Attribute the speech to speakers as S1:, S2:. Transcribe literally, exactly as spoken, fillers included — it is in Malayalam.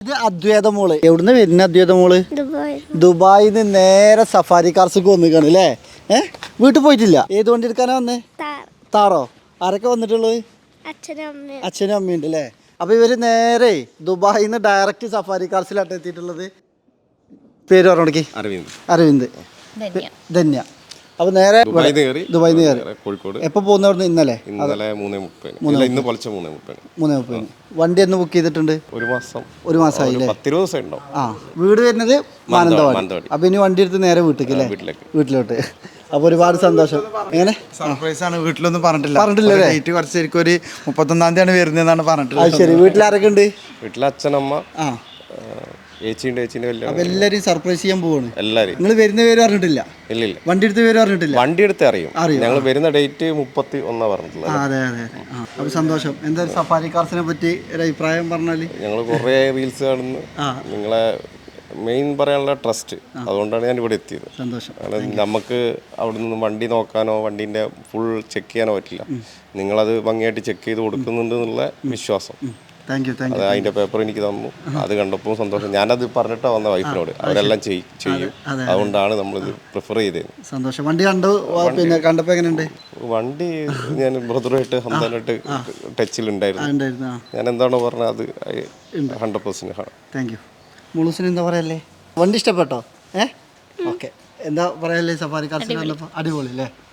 S1: ഇത് അദ്വൈത മോള് എവിടുന്ന് വരുന്ന അദ്വൈത മോള്? ദുബായിൽ നിന്ന് നേരെ സഫാരി കാർസിക്ക് വന്നിക്കാണ് അല്ലേ? ഏഹ് വീട്ടിൽ പോയിട്ടില്ല. ഏത് വണ്ടി എടുക്കാനാ വന്നേ? താറോ? ആരൊക്കെ വന്നിട്ടുള്ളത്? അച്ഛനും അമ്മയുണ്ട് അല്ലേ? അപ്പൊ ഇവര് നേരെ ദുബായിൽ നിന്ന് ഡയറക്റ്റ് സഫാരി കാർസിലാണ് എത്തിയിട്ടുള്ളത്. പേര് പറഞ്ഞോടക്കി. അരവിന്ദ്. അരവിന്ദ് ധന്യ. അപ്പൊ നേരെ ദുബായിൽ നിന്ന് കയറി കോഴിക്കോട്. എപ്പോ പോകുന്നവിടുന്ന്? ഇന്നലെ
S2: ഇന്നലെ മൂന്നേ മുപ്പതിന്. ഇന്ന് പൊലച്ച മൂന്നേ മുപ്പതിന്.
S1: മൂന്നേ മുപ്പതിന് വണ്ടി എന്ന് ബുക്ക് ചെയ്തിട്ടുണ്ട്?
S2: ഒരു മാസം
S1: ഒരു മാസമായി അല്ലേ?
S2: പത്തിരുപത് ദിവസം ഉണ്ടാവും.
S1: ആ വീട് വരുന്നത് മാനന്തവാടി. അപ്പൊ ഇനി വണ്ടി എടുത്ത് നേരെ വീട്ടിലേക്ക് അല്ലേ? വീട്ടിലോട്ട്. അപ്പൊ ഒരുപാട് സന്തോഷം. എങ്ങനെ
S3: സർപ്രൈസ് ആണ്, വീട്ടിലൊന്നും പറഞ്ഞിട്ടില്ല. പറഞ്ഞിട്ടില്ല ഡേറ്റ് കുറച്ച് ശരിക്കും ഒരു മുപ്പത്തൊന്നാം തീയതിയാണ് വരുന്നതെന്നാണ് പറഞ്ഞിട്ടുള്ളത്.
S1: ശരി. വീട്ടിലാരൊക്കെ ഉണ്ട്?
S2: വീട്ടിലെ അച്ഛനമ്മ, ഏച്ചിയുണ്ട്, ഏച്ചിന്റെ കല്യാണം.
S1: അപ്പൊ എല്ലാരും സർപ്രൈസ് ചെയ്യാൻ പോവാണ്.
S2: എല്ലാരും.
S1: നിങ്ങൾ വരുന്ന പേര് പറഞ്ഞിട്ടില്ല?
S2: ഇല്ല ഇല്ല.
S1: വണ്ടി എടുത്ത പേര് പറഞ്ഞിട്ടില്ല?
S2: വണ്ടി എടുത്ത് അറിയും. ഞങ്ങൾ വരുന്ന ഡേറ്റ് മുപ്പത്തി ഒന്നാ പറഞ്ഞിട്ടുള്ളത്.
S1: അതെ അതെ. അപ്പൊ സന്തോഷം. എന്തായാലും സഫാരി കാർസിനെ പറ്റി ഒരു അഭിപ്രായം പറഞ്ഞാല്?
S2: ഞങ്ങൾ കുറെ റീൽസ് കാണുന്നു. നിങ്ങളെ മെയിൻ പറയാനുള്ള ട്രസ്റ്റ്, അതുകൊണ്ടാണ് ഞാൻ ഇവിടെ എത്തിയത്.
S1: സന്തോഷം.
S2: കാരണം നമുക്ക് അവിടെ നിന്ന് വണ്ടി നോക്കാനോ വണ്ടീൻ്റെ ഫുൾ ചെക്ക് ചെയ്യാനോ പറ്റില്ല. നിങ്ങളത് ഭംഗിയായിട്ട് ചെക്ക് ചെയ്ത് കൊടുക്കുന്നുണ്ട് എന്നുള്ള വിശ്വാസം. അത് അതിന്റെ പേപ്പർ എനിക്ക് തന്നു. അത് കണ്ടപ്പോൾ സന്തോഷം. ഞാനത് പറഞ്ഞിട്ടാ വന്ന വൈഫിനോട്. അവരെല്ലാം ചെയ്യും. അതുകൊണ്ടാണ് നമ്മളിത് പ്രിഫർ ചെയ്തത്.
S1: സന്തോഷം. വണ്ടി കണ്ടു. പിന്നെ കണ്ടപ്പോൾ എങ്ങനെയുണ്ട്?
S2: വണ്ടി ഞാൻ ബ്രദറുമായിട്ട് ഹംദാനായിട്ട് ടച്ചിലുണ്ടായിരുന്നു. ഞാൻ എന്താണോ പറഞ്ഞത് അത് ഹൺഡ്രഡ് പെർസെന്റ് ആണ്.
S1: Thank you. മുളുസിന് എന്താ പറയല്ലേ? വണ്ടി ഇഷ്ടപ്പെട്ടോ? ഏഹ് ഓക്കെ. എന്താ പറയല്ലേ? സഫാരി കാർസിൽ വന്നപ്പോൾ അടിപൊളി അല്ലേ?